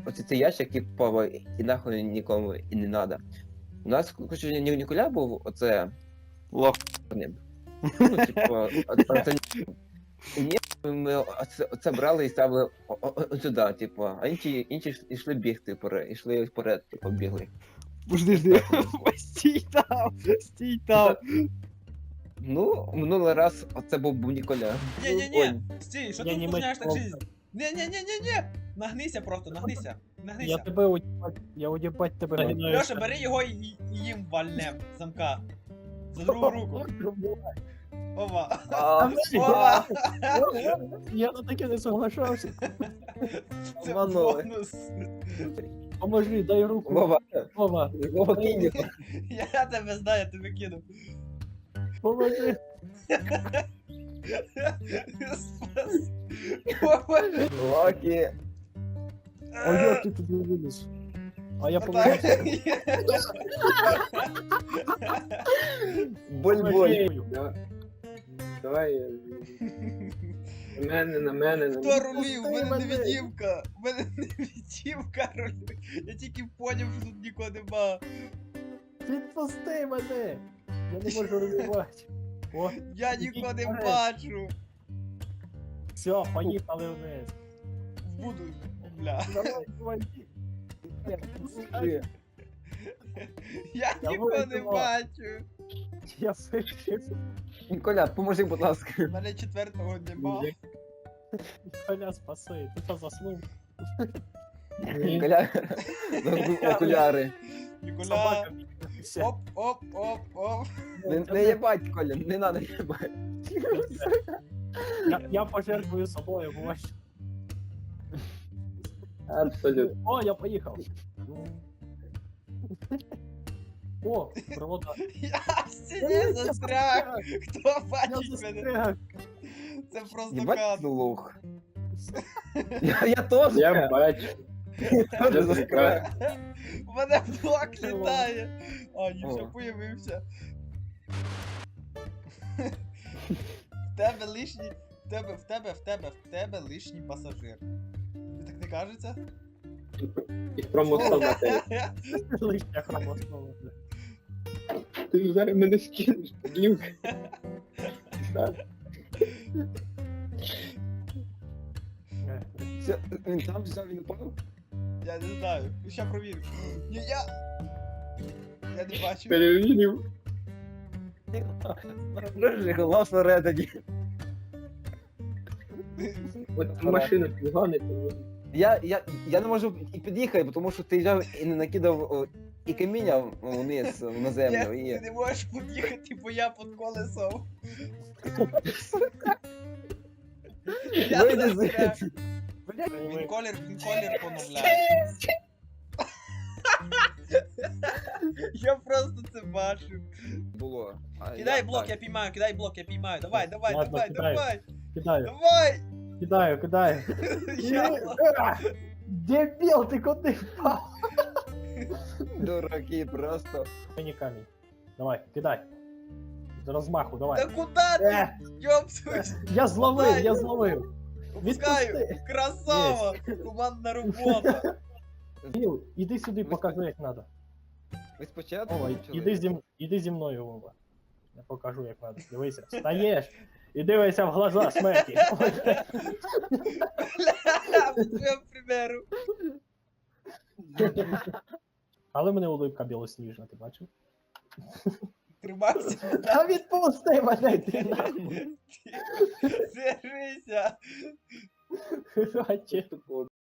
оце цей ящик, типу, і нахуй нікому і не надо. У нас, короче, Ніколя був оце Лох. ним. Ну, типу, оце ні, ми оце брали і ставили сюди, типу, а інші йшли бігти, йшли вперед, типу, бігли. Жди. Стій там. Ну, минулий раз оце був Ніколя. Не-не-не, стій, що Я ти не усложняєш так мать- жизнь? Не-не-не-не-не! Нагнися просто, нагнися. Я Нагнися. тебе уїбать, я уїбать тебе нагинаю. Льоша, бери його і їм вальнем з замка. За другу руку. Ова. А, Ова. Я на таке не соглашався. Це Обманули. бонус. Поможи, дай руку. Вова, Вова, Вова кинь його. Я тебе знаю, я тебе кину. поможи. Спас. Поможи. Локі. А як ти туди виліз? А я Отак. поможу. Боль-боль. Давай. На мене. Хто рулів? У мене мене. невидимка. У мене невидимка рулює. Я тільки поняв, що тут нікого нема. Відпусти мене! Я не можу розірвати. О, Я нікого не вперед. бачу. все, поїхали вниз. Буду, бля. Давай, давай. Я Я нікого не вийшла. бачу. Я вийшов. Ніколя, поможи, будь ласка. У мене четвертого нема. Коля, спаси. Ти що заснув? Ніколя, забув окуляри. Ніколя. Собака бігає. Оп, оп, оп, оп. Не їбать, Коля, не надо їбать. Я пожертвую собою, бо Абсолютно. О, я поїхав. О, провода. Я в стіні застряг. Хто Я бачить мене? застряг. Це просто Їбать кат. лох. Я теж. Я бачу. теж Я застряг. У мене блок літає. А, ні, все, О. появився. В тебе лишній. В тебе лишній пасажир. Тобі так не кажеться? І хромосома теж. Лишня хромосома. Ти зараз мене скинеш. Глюк. Так. Все, він там взяв, він упав? Я не знаю. Ну, ща провірю. Ні, я не бачу. Перевірив. Дуже голосно редаді. От машина підгонить. Я не можу і під'їхати, тому що ти взяв і не накидав і каміння вниз на Ні, землю. ти І... не можеш під'їхати, бо я під колесом. Я Вийди застряг. звідси. Він колір поновляє. Я просто це бачу. Було. А Кидай я блок, так. я піймаю, кидай блок, я піймаю. Давай, давай, Ладно, давай, кидаю. давай. Кидаю, Давай! кидаю. Я... Дебіл, ти куди впав? Дураки просто. Мені камінь. Давай, кидай. З розмаху, Та давай. куди ти? Йопсусь! Я зловив, Давай. я зловив. Пускаю! Відпусти. Красава! Командна робота! Біл, іди сюди, покажи, як треба. Ви спочатку Вова, почали? іди зі мною, Вова. Я покажу, як треба. Дивися, встаєш і дивися в глаза смерті. По твоєму примеру. Але в мене улыбка білосніжна, ти бачив? Тримайся. Та відпусти мене, ти нахуй. Держися. Бачиш?